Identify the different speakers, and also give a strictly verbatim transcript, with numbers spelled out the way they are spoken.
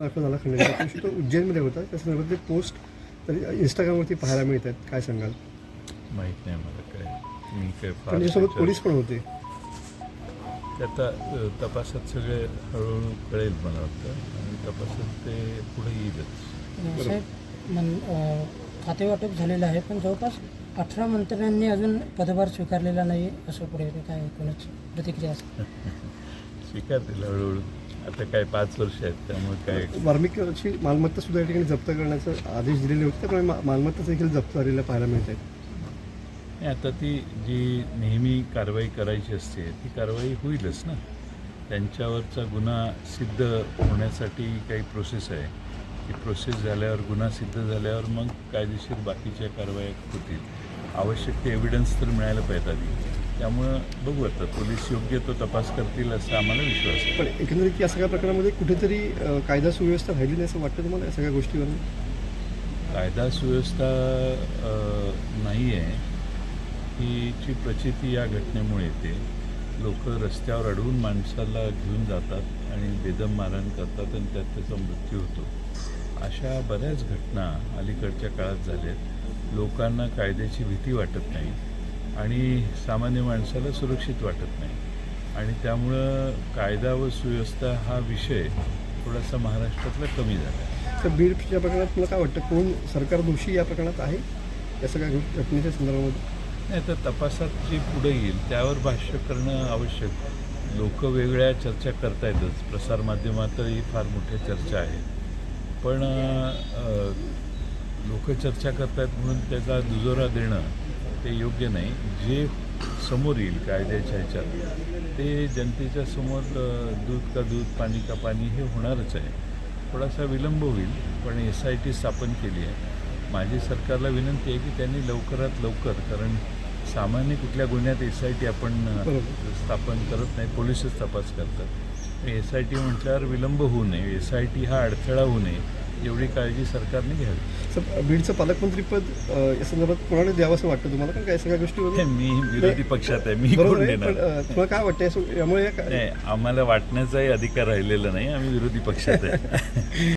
Speaker 1: दाखल झाला खंडणीचा पोस्ट तो उज्जैनमध्ये होता. त्या संदर्भातले पोस्ट तर इंस्टाग्रामवरती पाहायला मिळत आहेत. काय सांगाल?
Speaker 2: माहीत नाही मला काय. मी काय
Speaker 1: पण
Speaker 2: फार
Speaker 1: त्याच्यासोबत पोलीस पण होते.
Speaker 2: ते आता अ, तपासात सगळे हळूहळू कळेल मला वाटतं आणि तपासात ते पुढे येईलच.
Speaker 3: साहेब मन अ, खातेवाटप झालेलं आहे, पण जवळपास अठरा मंत्र्यांनी अजून पदभार स्वीकारलेला नाही असं पुढे काय कोणाची प्रतिक्रिया असेल?
Speaker 2: स्वीकारतील हळूहळू. आता काय पाच वर्ष आहेत त्यामुळे काय.
Speaker 1: वाल्मिकीची मालमत्ता सुद्धा या ठिकाणी जप्त करण्याचे आदेश दिलेले होते. त्यामुळे मा- मालमत्ता देखील जप्त झालेल्या पाहायला मिळत आहेत.
Speaker 2: नाही, आता ती जी नेहमी कारवाई करायची असते ती कारवाई होईलच ना. त्यांच्यावरचा गुन्हा सिद्ध होण्यासाठी काही प्रोसेस आहे. ती प्रोसेस झाल्यावर गुन्हा सिद्ध झाल्यावर मग कायदेशीर बाकीच्या कारवाया होतील. आवश्यक ते एव्हिडन्स तर मिळायला पाहिजे आधी. त्यामुळं बघू आता पोलीस योग्य तो तपास करतील असा आम्हाला विश्वास आहे.
Speaker 1: पण एकंदरीत या सगळ्या प्रकरणामध्ये कुठेतरी अ, कायदा सुव्यवस्था राहिली नाही असं वाटतं तुम्हाला या सगळ्या गोष्टीवर?
Speaker 2: कायदा सुव्यवस्था नाही आहे हीची प्रचिती या घटनेमुळे येते. लोक रस्त्यावर अडवून माणसाला घेऊन जातात आणि बेदम मारहाण करतात आणि त्यात त्याचा मृत्यू होतो. अशा बऱ्याच घटना अलीकडच्या काळात झाल्यात. लोकांना कायद्याची भीती वाटत नाही आणि सामान्य माणसाला सुरक्षित वाटत नाही आणि त्यामुळं कायदा व सुव्यवस्था हा विषय थोडासा महाराष्ट्रातला कमी झाला आहे.
Speaker 1: तर बीडच्या प्रकरणात मला काय वाटतं, कोण सरकार दोषी या प्रकरणात आहे या सगळ्या घट- घटनेच्या संदर्भामध्ये?
Speaker 2: नाही तर तपासात जे पुढे येईल त्यावर भाष्य करणं आवश्यक. लोक वेगळ्या चर्चा करतायतच. प्रसारमाध्यमातही फार मोठ्या चर्चा आहेत. पण लोक चर्चा करतायत म्हणून त्याचा दुजोरा देणं ते योग्य नाही. जे समोर येईल कायद्याच्या ह्याच्यात ते जनतेच्या समोर अ, दूध का दूध पाणी का पाणी हे होणारच आहे. थोडासा विलंब होईल पण एस आय टी स्थापन केली आहे. माझी सरकारला विनंती आहे की त्यांनी लवकरात लवकर, कारण सामान्य कुठल्या गुन्ह्यात एस आय टी आपण अ, स्थापन करत नाही, पोलिसच तपास करतात. एस आय टी म्हटल्यावर विलंब होऊ नये, एस आय टी हा अडथळा होऊ नये एवढी काळजी सरकारने घ्यावी.
Speaker 1: सर, बीडचं पालकमंत्रीपद अ, या संदर्भात कोणाला द्यावं असं वाटतं तुम्हाला? कारण काय सगळ्या गोष्टीवर
Speaker 2: मी विरोधी पक्षात आहे, मी
Speaker 1: बरोबर
Speaker 2: कोण
Speaker 1: आहे, पण
Speaker 2: देणार?
Speaker 1: अ, तुम्हाला काय वाटतं यासो- यामुळे या-
Speaker 2: नाही, आम्हाला वाटण्याचाही अधिकार राहिलेला नाही. आम्ही विरोधी पक्षात आहे.